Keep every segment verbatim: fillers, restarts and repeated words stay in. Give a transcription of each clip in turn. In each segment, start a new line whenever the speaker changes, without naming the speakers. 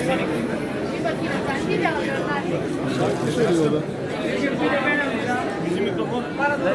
Şarkı söylüyor da.
Bizim mikrofon.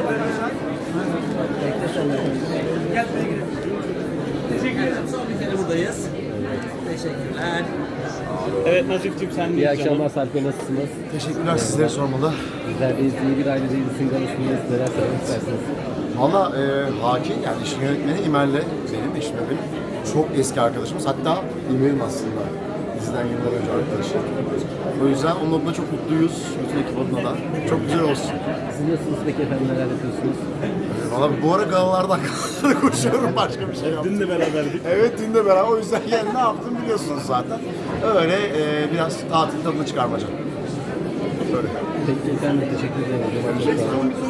Teşekkür ederim. Son bir kere buradayız. Teşekkürler. Evet Nazif'cim sen
İyi akşamlar Sarp Bey, nasılsınız?
Teşekkürler, sizleri sormalı.
Bizlerdeyiz, iyi bir aile değilsin galasındayız. Neler söylemek istersiniz?
Valla e, Haki, yani işin yönetmeni İmer'le benim eşim benim çok eski arkadaşımız. Hatta İmer'in aslında bizden yıllar önce arkadaşı. O yüzden onun adına çok mutluyuz. Bütün ekip adına da. Çok güzel olsun.
Siz nasılsınız peki efendim, neler yapıyorsunuz?
Valla bu ara galalardan galalara koşuyorum, başka bir şey yok.
Dün de beraberdik.
Evet, dün de beraber. O yüzden yani ne yaptım biliyorsunuz zaten. Öyle e, biraz tatil tadını çıkarmaca. Böyle.
Peki efendim, teşekkür ederim.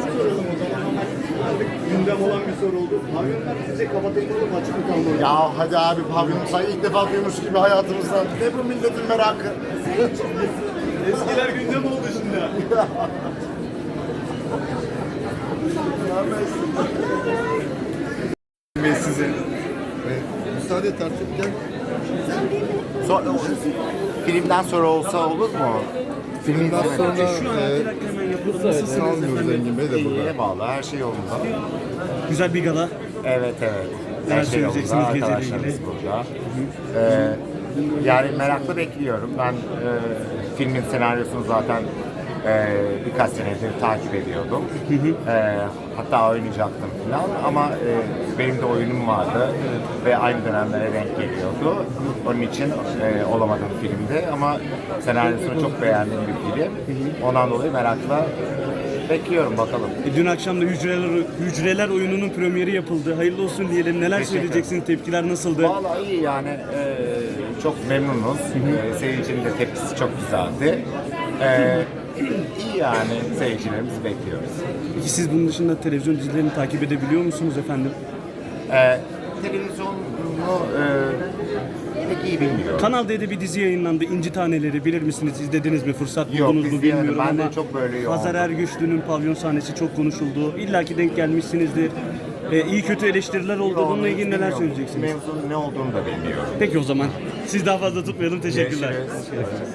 Gündem olan bir soru oldu. Pavyonlar sizce kapatılmalı mı, açık mı kalmalı?
Ya hadi abi, pavyon sayı ilk defa duymuş gibi hayatımızda. Ne bu milletin merakı?
Eskiler gündem oldu şimdi.
Ben size.
Müsaade et artık, gel.
So filmden sonra olsa olur mu?
Filmden sonra
Şu an
e,
e, hemen yapıldı. Nasılsınız
kalmıyoruz
efendim?
Engin Bey de burada.
İyiye bağlı, her şey yolunda.
Güzel bir gala.
Evet evet.
Neler
Her şey yolunda,
söyleyeceksiniz geceyle
arkadaşlarımız
ilgili?
burada. Ee, yani merakla bekliyorum. Ben e, filmin senaryosunu zaten e, birkaç senedir takip ediyordum. E, hatta oynayacaktım falan ama e, benim de oyunum vardı ve aynı dönemlere denk geliyordu. Onun için e, olamadım filmde ama senaryosunu çok beğendiğim bir film. Ondan dolayı merakla bekliyorum, bakalım.
E, dün akşam da Hücreler, Hücreler oyununun premieri yapıldı. Hayırlı olsun diyelim. Neler
Teşekkür
söyleyeceksiniz? Tepkiler nasıldı?
Vallahi iyi yani, e, çok memnunuz. E, seyircinin de tepkisi çok güzeldi. E, iyi yani, seyircilerimizi bekliyoruz.
Peki siz bunun dışında televizyon dizilerini takip edebiliyor musunuz efendim?
E, televizyonu e, pek iyi bilmiyorum.
Kanal D'de bir dizi yayınlandı. İnci Taneleri, bilir misiniz? İzlediniz mi? Fırsat
Yok,
buldunuz mu
izleyemedim.
bilmiyorum
Ben de
ama
çok böyle yoğundum.
Hazar Ergüçlü'nün pavyon sahnesi çok konuşuldu. İlla ki denk gelmişsinizdir. E, iyi kötü eleştiriler oldu. Bununla ilgili neler
Bilmiyorum.
söyleyeceksiniz?
Mevzunun ne olduğunu da bilmiyorum.
Peki o zaman. Siz daha fazla tutmayalım. Teşekkürler.
Görüşürüz.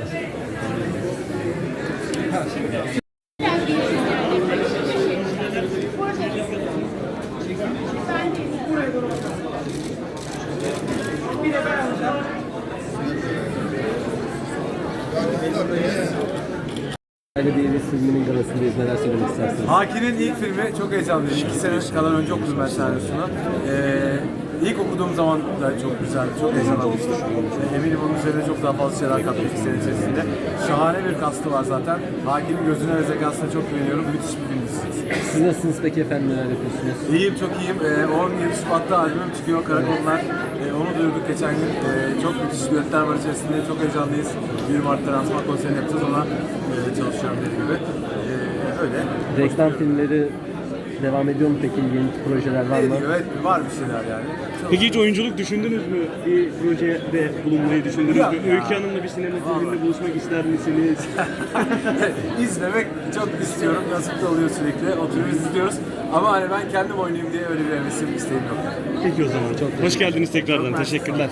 Aile değiliz filminin galasındayız. Neler söylemek istersiniz?
Haki'nin ilk filmi çok heyecanlıyım. İki sene kadar önce okudum ben senaryosunu. Ee, ilk okuduğum zaman da çok güzel, çok heyecanlanmıştım. Ee, eminim onun üzerine çok daha fazla şeyler katmış iki sene içerisinde. Şahane bir kastı var zaten. Haki'nin gözüne ve zekasına çok güveniyorum. Müthiş bir film dizisi.
Siz nasılsınız peki efendim, neler yapıyorsunuz?
İyiyim, çok iyiyim. Ee, on yedi Şubat'ta albümüm çıkıyor, Karakollar. Ee, onu duyurduk geçen gün. Ee, çok müthiş düetler var içerisinde. Çok heyecanlıyız. yirmi Mart'ta lansman konserini yapacağız, ona e, çalışıyorum dediğim gibi. Ee, öyle.
Reklam filmleri devam ediyor mu peki? Yeni projeler var mı?
Evet, var bir şeyler yani. Çok-
Peki hiç oyunculuk düşündünüz mü? Bir projede bulunmayı düşündünüz
Yok
mü?
ya.
Öykü Hanım'la bir sinema filminde buluşmak ister misiniz?
İzlemek çok istiyorum. Nasip de oluyor sürekli. Oturuyoruz, izliyoruz. Ama hani ben kendim oynayayım diye öyle bir hevesim, isteğim yok.
Peki o zaman. Çok hoş geldiniz tekrardan. Teşekkürler.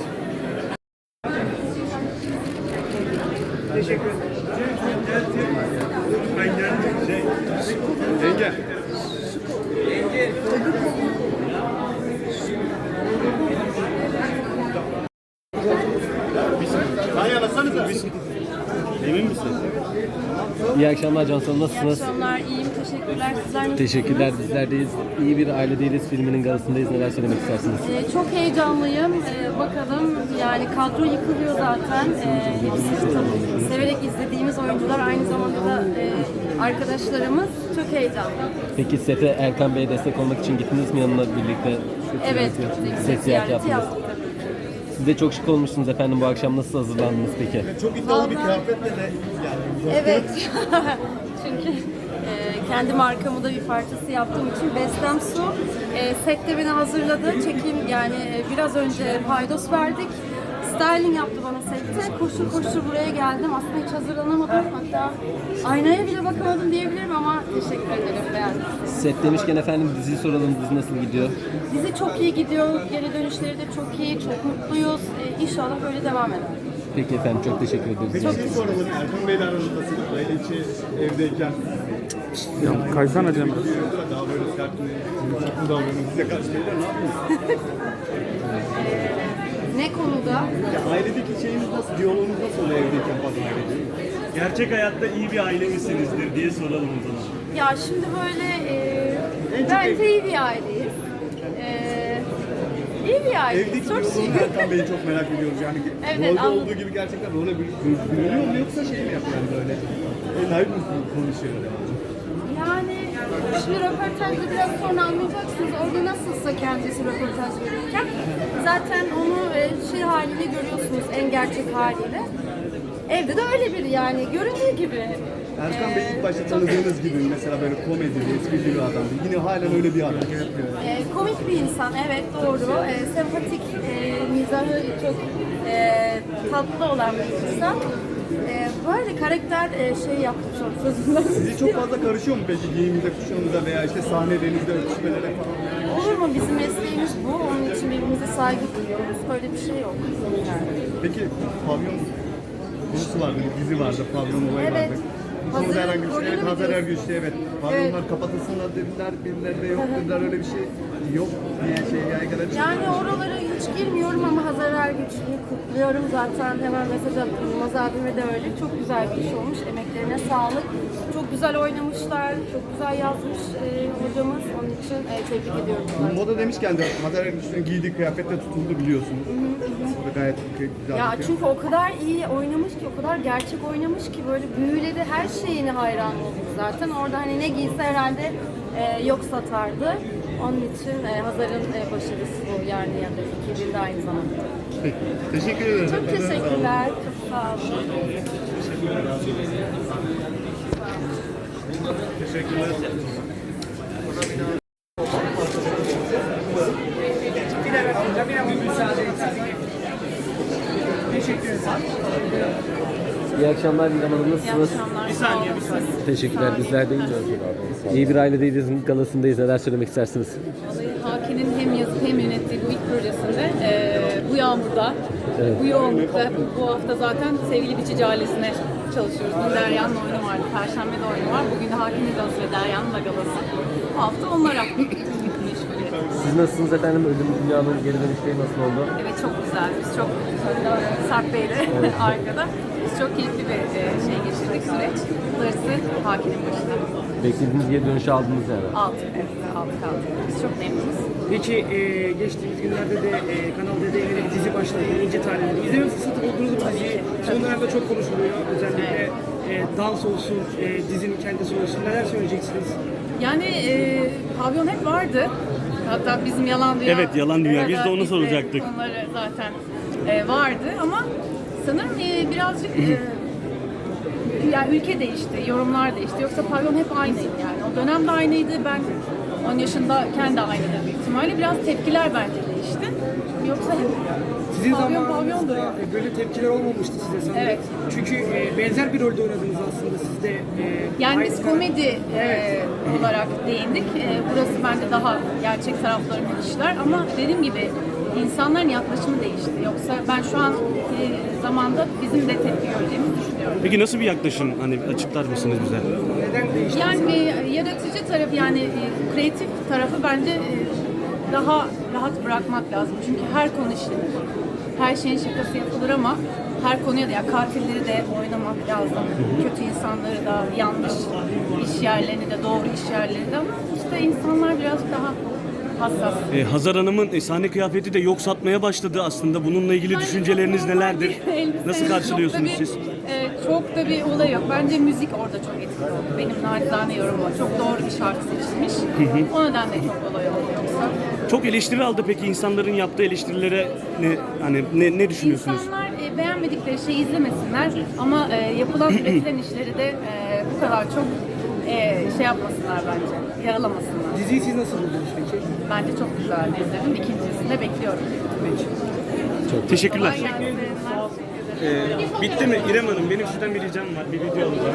Yenge.
Emin misin?
İyi akşamlar Cansu Hanım,
İyi
nasılsınız?
akşamlar, iyiyim. Teşekkürler. Sizler nasılsınız?
Teşekkürler, bizlerdeyiz. İyi bir aile değiliz filminin galasındayız. Neler söylemek istersiniz?
Ee, çok heyecanlıyım. Ee, bakalım, yani kadro yıkılıyor zaten. Ee, hepsi tabii severek izlediğimiz oyuncular, aynı zamanda da e, arkadaşlarımız. Çok heyecanlı.
Peki sete Erkan Bey'e destek olmak için gittiniz mi yanına birlikte?
Evet,
Set ziyareti yaptınız.
yaptık tabii.
Siz de çok şık olmuşsunuz efendim. Bu akşam nasıl hazırlandınız peki?
Çok iddialı bir kıyafetle de yani.
Evet. Çünkü e, kendi markamı da bir parçası yaptığım için Bestem Su e, sette beni hazırladı. Çekim yani e, biraz önce paydos verdik. Styling yaptı bana sette. Koştur koştur buraya geldim. Aslında hiç hazırlanamadım. Hatta aynaya bile bakamadım diyebilirim ama teşekkür ederim. Beğendim.
Set demişken efendim diziyi soralım. Dizi nasıl gidiyor?
Dizi çok iyi gidiyor. Geri dönüşleri de çok iyi. Çok mutluyuz. E, İnşallah böyle devam eder.
Peki efendim, çok teşekkür ederiz.
Peki şey soralım. Erkan Bey'le aranızda nasıl? Aile içi evdeyken
Ya kaysana Cem.
daha böyle sert mi? Yumuşak mı davranıyor? Size karşı beyler ne yapıyorsunuz?
Ne konuda?
Ya ailedeki şeyiniz nasıl? Diyaloğunuz nasıl oluyor evdeyken fazla ailede?
Gerçek hayatta iyi bir aile misinizdir diye soralım o zaman.
Ya şimdi böyle e,
En çok
bence
ev-
iyi bir aileyiz. E, iyi bir aileyiz.
Evdeki
Çok
diyaloğunu
şükür.
Erkan Bey'i çok merak ediyoruz. Yani
Evet,
rolde
anladım.
olduğu gibi gerçekten role bürünüyor mu yoksa şey mi yapıyor yani böyle? El ayıp mı konuşuyor?
Yani şimdi röportajda biraz sonra anlayacaksınız. Orada nasılsa kendisi röportaj verirken zaten onu e, şey haliyle görüyorsunuz, en gerçek haliyle. Evde de öyle biri yani göründüğü gibi.
Erkan Bey ilk
Ee,
başta
çok-
tanıdığınız gibi mesela böyle komedi, esprili bir adamdı. Yine halen öyle bir adam.
E, komik bir insan, evet doğru. E, sempatik, e, mizahı çok e, tatlı olan bir insan. E, böyle karakter e, şey yaptı çok sözünden.
Sizi çok fazla karışıyor mu peki giyiminize, kuşamınıza veya işte sahnelerinize, öpüşmelere falan?
Olur mu? Bizim mesleğimiz bu. Onun için birbirimize saygı duyuyoruz. Öyle bir şey yok. Yani.
Peki pavyon konusu vardı, bir dizi vardı, pavyon olayı
Evet.
vardı. Bu konuda
Hazır
herhangi bir şey,
rolünü
evet
mü
Hazar
diyorsun?
Ergüçlü evet. Pavyonlar kapatılsınlar dediler, birileri de yok dediler, öyle bir şey yok diye şey yaygara çıktı.
Yani oralara hiç girmiyorum ama Hazar Ergüçlü'yü kutluyorum. Zaten hemen mesaj attım. Yılmaz abime de öyle. Çok güzel bir iş olmuş. Emeklerine sağlık. Çok güzel oynamışlar. Çok güzel yazmış e, hocamız. Onun için e, tebrik ediyorum. onları.
Moda demişken de Hazar Ergüçlü'nün giydiği kıyafetle tutuldu biliyorsunuz. O da gayet güzel.
Ya
bir şey.
çünkü o kadar iyi oynamış ki, o kadar gerçek oynamış ki böyle büyüledi, her şeyine hayran olduk zaten. Orada hani ne giyse herhalde e, yok satardı. Onun için e, Hazar'ın e, başarısı bu yani ya da iki bir de aynı zamanda.
Peki, teşekkür ederim.
Çok teşekkürler. Çok sağ olun.
İyi akşamlar İrem Hanım,
İyi
nasılsınız?
akşamlar. Bir saniye, bir saniye.
Teşekkürler, bizler de iyiyiz. İyi bir ailedeyiz galasındayız. Neler söylemek istersiniz?
Haki'nin hem yazıp hem yönettiği bu ilk projesinde eee, bu yağmurda, bu yoğunlukta, bu hafta zaten sevgili Biçici ailesine çalışıyoruz. Dün Derya'nın oyunu vardı, Perşembe de oyunu var. Bugün de Haki'nin galası ve Derya'nın da galası. Bu hafta onlara meşgulüz.
Siz nasılsınız efendim? Ölüm Dünyanın geri dönüşleri nasıl oldu?
Evet çok güzel. Biz çok Sarp Bey'le arkada. Biz çok keyifli bir e, şey geçirdik süreç. Darısı Haki'nin başına.
Beklediğiniz geri dönüşü aldınız yani.
Altı, evet, altı kaldı. Biz çok memnunuz.
Peki e, geçtiğimiz günlerde de e, Kanal D'de yeni bir dizi başladı. İnce Taneleri. İzleme fırsatı buldunuz mu diziyi? Son dönemde çok konuşuluyor. Özellikle e, dans olsun, e, dizinin kendisi olsun. Neler söyleyeceksiniz?
Yani e, pavyon hep vardı. Hatta bizim Yalan Dünya...
Evet, Yalan Dünya. Biz de onu
biz
soracaktık.
Onları zaten e, vardı ama sanırım e, birazcık... E, yani ülke değişti, yorumlar değişti. Yoksa pavyon hep aynıydı yani. O dönemde aynıydı. Ben on yaşındayken de aynıydı büyük ihtimalle. Biraz tepkiler bence değişti. Yoksa hep
Sizin
pavyon
zamanınızda
pavyondur.
e, böyle tepkiler olmamıştı size sanırım.
Evet.
Çünkü e, benzer bir rolde oynadınız aslında siz de. e,
Yani
aynı
biz
karakter-
komedi e, olarak değindik. E, burası bence daha gerçek taraflarını kişiler ama dediğim gibi insanların yaklaşımı değişti. Yoksa ben şu an e, zamanda bizim de tepki göreceğimizi düşünüyorum.
Peki nasıl bir yaklaşım? Hani açıklar mısınız bize?
Neden değişti?
Yani e, yaratıcı taraf yani e, kreatif tarafı bence e, daha rahat bırakmak lazım. Çünkü her konu işlenir. Her şeyin şakası yapılır ama her konuya da ya katilleri de oynamak lazım. Kötü insanları da, yanlış iş yerlerini de, doğru iş yerlerini de ama işte insanlar biraz daha hassas.
Ee, Hazar Hanım'ın e, sahne kıyafeti de yok satmaya başladı aslında. Bununla ilgili
Yani
düşünceleriniz
çok normal
nelerdir?
bir elbise.
Nasıl karşılıyorsunuz
Çok da bir,
siz?
e, çok da bir olay yok. Bence müzik orada çok etkili oldu. Benim nacizane yorumum. Çok doğru bir şarkı seçilmiş. O nedenle çok olay oldu yoksa.
Çok eleştiri aldı peki insanların yaptığı eleştirilere ne hani ne, ne düşünüyorsunuz?
İnsanlar e, beğenmedikleri şeyi izlemesinler ama e, yapılan üretilen işleri de e, bu kadar çok e, şey yapmasınlar bence. Yaralamasınlar.
Diziyi siz nasıl buldunuz peki?
Bence çok güzel izledim. İkincisini de bekliyorum.
Teşekkürler.
Kolay gelsin.
Ee, bitti mi İrem Hanım? Benim sizden bir ricam var. Bir video alacağım.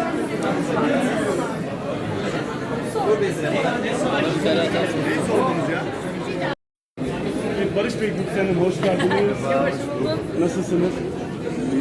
Barış Bey Gülsen Hanım hoş geldiniz. Nasılsınız?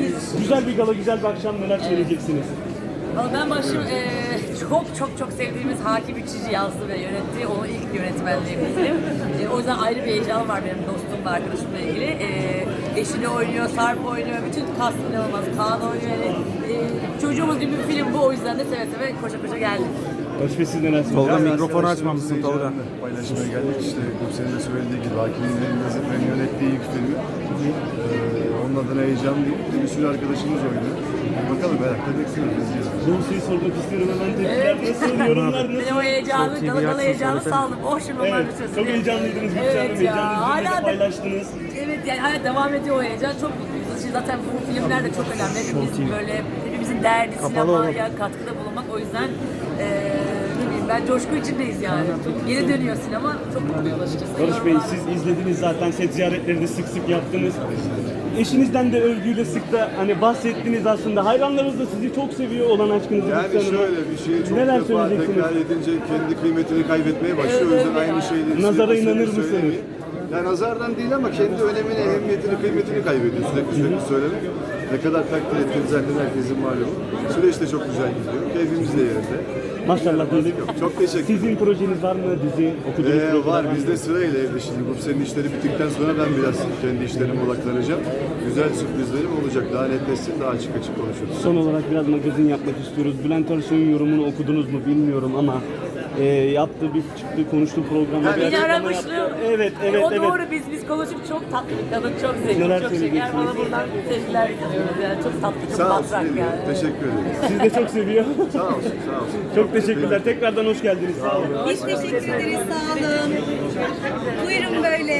güzel bir gala, güzel bir akşam, neler söyleyeceksiniz?
Valla ben başım eee, çok çok çok sevdiğimiz Hakim Üçüncü yazdı ve yönetti. Onun ilk yönetmenliği bizim. Eee, o yüzden ayrı bir heyecan var benim dostumla, arkadaşımla ilgili. Eee eşini oynuyor, Sarp oynuyor, bütün kast inanılmaz. Kaan oynuyor. Yani, eee, çocuğumuz gibi bir film bu. O yüzden de seve seve koşa koşa geldik.
Barış Bey siz neler
Tolga
söyleyeceksiniz?
mikrofonu açmamışsın Tolga.
Paylaşmaya geldik işte Gülsen'in de söylediği gibi Hakim'in Lezzet yönettiği ilk filmi. Ee, onun adına heyecanlıyım. Bir sürü arkadaşımız oynuyor. Bakalım merakla bekliyoruz. izliyoruz.
Doğrusuyu sormak istiyorum hemen tepkiler nasıl, yorumlar nasıl?
Ben o heyecanı,
T V
galı galı
açsın,
heyecanı
söylesene.
saldım. Oh şimdi onlar
Evet,
bir sözü.
çok heyecanlıydınız Gülşen Hanım,
Evet ya,
heyecanınızı
hala
da
da-
paylaştınız.
Evet yani hala devam ediyor o heyecan. Çok mutluyuz. Şimdi zaten bu filmler de çok önemli. Hepimiz böyle hepimizin derdi sinemaya katkıda bulunmak. O yüzden eee ne bileyim ben coşku içindeyiz yani. Çok geri dönüyor sinema. Çok mutluyuz açıkçası.
Barış Bey
Yorumlar-
siz izlediniz zaten, set ziyaretleri de sık sık yaptınız. Eşinizden de övgüyle sık da hani bahsettiniz aslında. Hayranlarınız da sizi çok seviyor olan aşkınızı.
Yani
Gülşen Hanım'a.
şöyle bir şeyi çok
Neler
defa
söyleyeceksiniz?
tekrar edince kendi kıymetini kaybetmeye başlıyor. O yüzden aynı şeyleri
Nazara
sürekli
inanır
sürekli
mısınız?
söylemeyin. Yani nazardan değil ama kendi önemini, ehemmiyetini, kıymetini kaybediyor sürekli sürekli söylemek. Ne kadar takdir ettiğini zaten herkesin malumu. Süreç de çok güzel gidiyor. Keyfimiz de yerinde.
Maşallah diyelim.
Çok teşekkür ederim.
Sizin projeniz var mı? Dizi, okuduğunuz
Ee,
projeler
var
mı?
bizde sırayla evde şimdi bu senin işleri bittikten sonra ben biraz kendi işlerime odaklanacağım. Güzel sürprizlerim olacak. Daha netleşsin, daha açık açık konuşuruz.
Son olarak biraz magazin yapmak istiyoruz. Bülent Ersoy'un yorumunu okudunuz mu bilmiyorum ama e, yaptığı bir çıktı konuştuğu programda bir
Beni
açıklama
aramıştı.
yaptı. Evet,
E,
evet,
o
evet.
doğru biz biz konuşup çok tatlı bir kadın, çok zengin,
Neler
çok şeker.
söyleyeceksiniz?
Bana buradan sevgiler gidiyoruz yani çok tatlı, çok
Sağ olsun.
matrak
ne diyeyim,
yani.
Teşekkür ederim.
Siz de çok seviyor.
Sağ olsun, sağ olsun.
Çok teşekkürler. Tekrardan hoş geldiniz. Sağ olun.
Biz teşekkür ederiz, sağ olun. Buyurun böyle.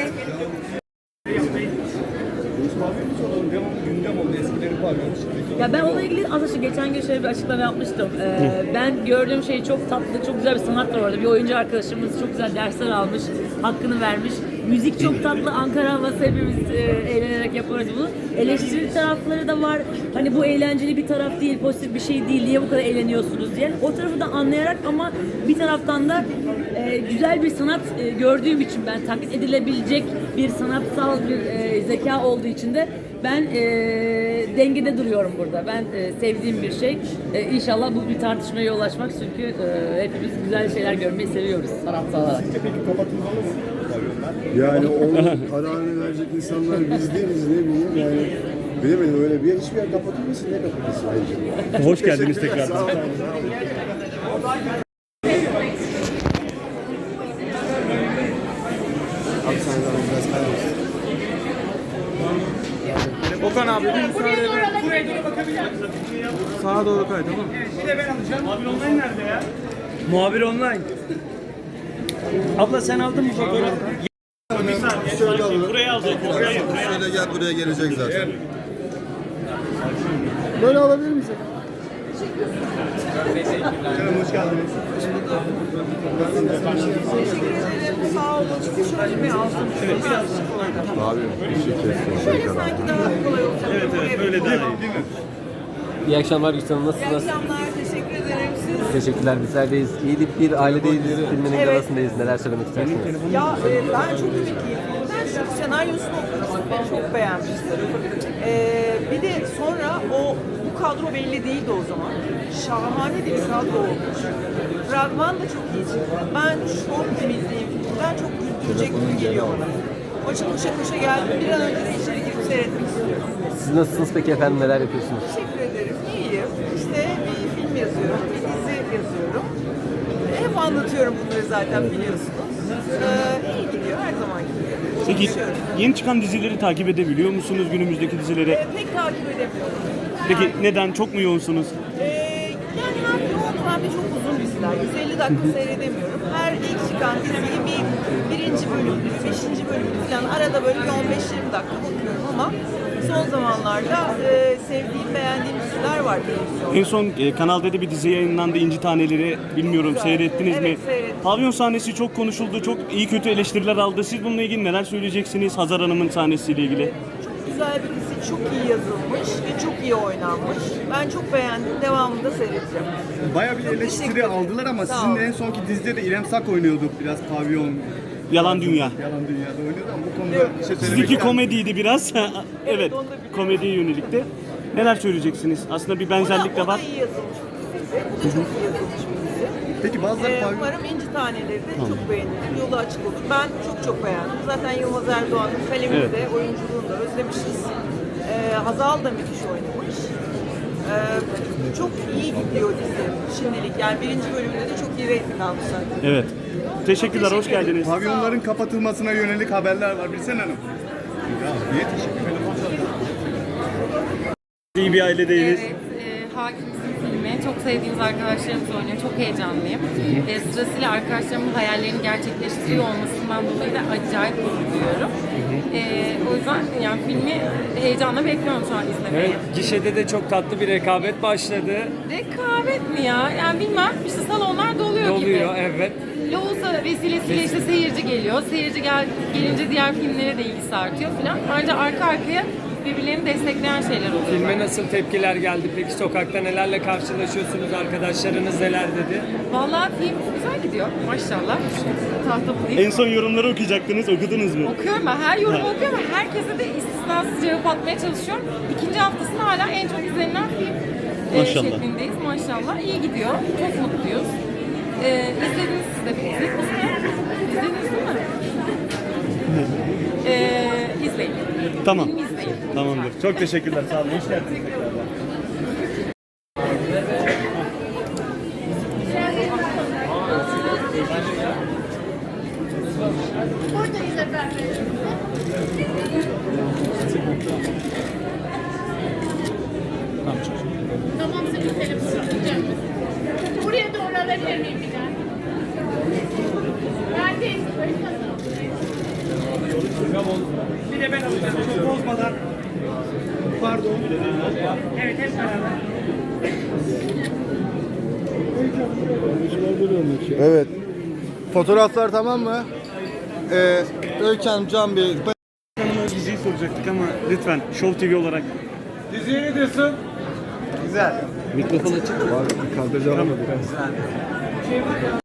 Ya ben onunla ilgili aslında şu geçen gün şöyle bir açıklama yapmıştım. Ee, ben gördüğüm şey çok tatlı, çok güzel bir sanat var orada. Bir oyuncu arkadaşımız çok güzel dersler almış, hakkını vermiş. Müzik çok tatlı, Ankara havası hepimiz e, eğlenerek yapıyoruz bunu. Eleştiri tarafları da var. Hani bu eğlenceli bir taraf değil, pozitif bir şey değil. Niye bu kadar eğleniyorsunuz diye. O tarafı da anlayarak ama bir taraftan da e, güzel bir sanat e, gördüğüm için ben taklit edilebilecek bir sanatsal bir e, zeka olduğu için de ben e, dengede duruyorum burada. Ben e, sevdiğim bir şey. E, İnşallah bu bir tartışmaya yol açmak çünkü e, hepimiz güzel şeyler görmeyi seviyoruz sanatsal olarak.
Yani onun kararını verecek insanlar biz değiliz, ne bileyim yani. Bilemedim öyle bir yer, hiçbir yer kapatılmasın, ne kapatılsın ayrıca.
Hoş geldiniz
Teşekkürler,
tekrar.
sağ olun. Abi sen de biraz kaybolsun.
Okan abi bir müsaade edin.
Buraya doğru bakabilir misin?
Sağa doğru kay tamam mı?
Bir de ben alacağım.
Abi online nerede ya?
Muhabir online. Abla sen aldın mı fotoğrafı?
Bir saniye.
Şöyle alalım.
Buraya alacak. Buraya, buraya.
Şöyle gel, buraya gelecek zaten. Böyle alabilir miyiz? Canım hoş geldiniz.
Sağ olun. Şöyle mi alsın? Evet, biraz
Abi bir şey kestim.
Şöyle sanki daha kolay olacak.
Evet, evet. Böyle değil mi?
İyi akşamlar Gülşen Hanım.
İyi
Nasılsınız?
akşamlar. Teşekkür ederim. Siz?
Teşekkürler. Bizlerdeyiz. İyilik bir ailedeyiz. Filminin
Evet.
galasındayız. Neler söylemek istersiniz?
Ya e, ben çok ümitliyim. Ben şu senaryosunu okumuştum ve çok beğenmiştim. E, bir de sonra o bu kadro belli değildi o zaman. Şahane bir kadro olmuş. Fragman da çok iyi çıktı. Ben çok ümitliyim. Ben çok güldürecek gibi geliyor bana. O için koşa koşa geldim. Bir an önce de içeri girip seyretmek istiyorum.
Siz nasılsınız peki efendim? Neler yapıyorsunuz?
Teşekkür ederim. İyiyim. İşte bir film yazıyorum, bir dizi yazıyorum. Hep anlatıyorum bunları zaten biliyorsunuz. Ee, iyi gidiyor her zaman gibi.
Peki
Çalışıyorum.
yeni çıkan dizileri takip edebiliyor musunuz, günümüzdeki dizileri?
Ee, pek takip edemiyorum.
Peki
Yani,
neden? Çok mu yoğunsunuz?
e, yani hem yoğun hem de çok uzun diziler. yüz elli dakika seyredemiyorum. Her ilk çıkan diziyi bir birinci bölüm, bir beşinci bölüm falan arada böyle bir on beş yirmi dakika bakıyorum ama son zamanlarda e, sevdiğim, beğendiğim diziler var televizyonda.
En son e, Kanal D'de bir dizi yayınlandı, İnci Taneleri. Bilmiyorum,
Güzel.
seyrettiniz
Evet,
mi?
seyrettim.
Pavyon sahnesi çok konuşuldu, çok iyi kötü eleştiriler aldı. Siz bununla ilgili neler söyleyeceksiniz Hazar Hanım'ın sahnesiyle ilgili?
Çok güzel bir dizi, çok iyi yazılmış ve çok iyi oynanmış. Ben çok beğendim, devamını da seyredeceğim.
Bayağı bir
Çok teşekkür
eleştiri
ederim.
aldılar ama
Sağ
sizin
olun.
en sonki dizide de İrem Sak oynuyordu biraz pavyon.
Yalan Dünya.
Yalan Dünya'da oynuyordu ama bu konuda
Evet.
bir şey söylemek
Sizinki
ister misiniz?
komediydi biraz. Evet,
onu da biliyorum.
komediye yönelikti. Neler söyleyeceksiniz? Aslında bir benzerlik de
O da
var.
iyi yazılmış bir dizi. Bu da çok iyi yazılmış bir dizi.
Peki bazıları
Ee,
pavyon...
umarım İnci Taneleri de çok beğenilir, yolu açık olur. Ben çok çok beğendim. Zaten Yılmaz Erdoğan'ın kalemini
Evet.
de, oyunculuğunu da özlemişiz. Ee, Hazal da müthiş oynamış. Ee, çok iyi gidiyor dizi şimdilik. Yani birinci bölümünde de çok iyi reyting almış zaten.
Evet. Teşekkürler, hoş
Teşekkür ederim.
geldiniz.
Pavyonların kapatılmasına yönelik haberler var. Bilsen Hanım. Ya, niye teşekkür ederim?
İyi bir ailedeyiz.
Evet, e, Hakimsin filmi. Çok sevdiğimiz arkadaşlarımız oynuyor. Çok heyecanlıyım. E, sırasıyla arkadaşlarımın hayallerini gerçekleştiriyor olmasından dolayı da acayip gurur duyuyorum. E, o yüzden yani filmi heyecanla bekliyorum şu an izlemeyi.
Evet, gişede de çok tatlı bir rekabet başladı.
Rekabet mi ya? Yani bilmem. İşte salonlar doluyor, gibi.
Oluyor, evet.
Loğusa vesilesiyle işte seyirci geliyor. Seyirci gel, gelince diğer filmlere de ilgisi artıyor falan. Ayrıca arka arkaya birbirlerini destekleyen şeyler oluyor.
Filme nasıl tepkiler geldi? Peki sokakta nelerle karşılaşıyorsunuz? Arkadaşlarınız neler dedi?
Vallahi film güzel gidiyor maşallah. Tahta bulayım.
En son yorumları okuyacaktınız, okudunuz mu?
Okuyorum ben. Her yorumu okuyorum. Herkese de istisnasız cevap atmaya çalışıyorum. İkinci haftasında hala en çok izlenilen film e,
Maşallah.
şeklindeyiz. Maşallah. İyi gidiyor. Çok mutluyuz. E, izlediniz siz de. İzlediniz mi? İzlediniz değil mi? e, izleyin.
Tamam.
Film izleyin.
Tamamdır. Çok teşekkürler, sağ olun. Hoş geldiniz.
Buradayız efendim. Tamam, senin telefonu alacağım. Buraya doğru alabilir miyim bir daha? Ben de
Bir de ben alacağım. Çok bozmadan. Pardon. Evet, hep beraber.
Evet. Fotoğraflar tamam mı? Ee, Öykü Hanım, Can Bey,
Hanım'a diziyi soracaktık ama lütfen Show T V olarak.
Diziye ne diyorsun?
güzel.
Mikrofon açık mı?
Kaldıracağım.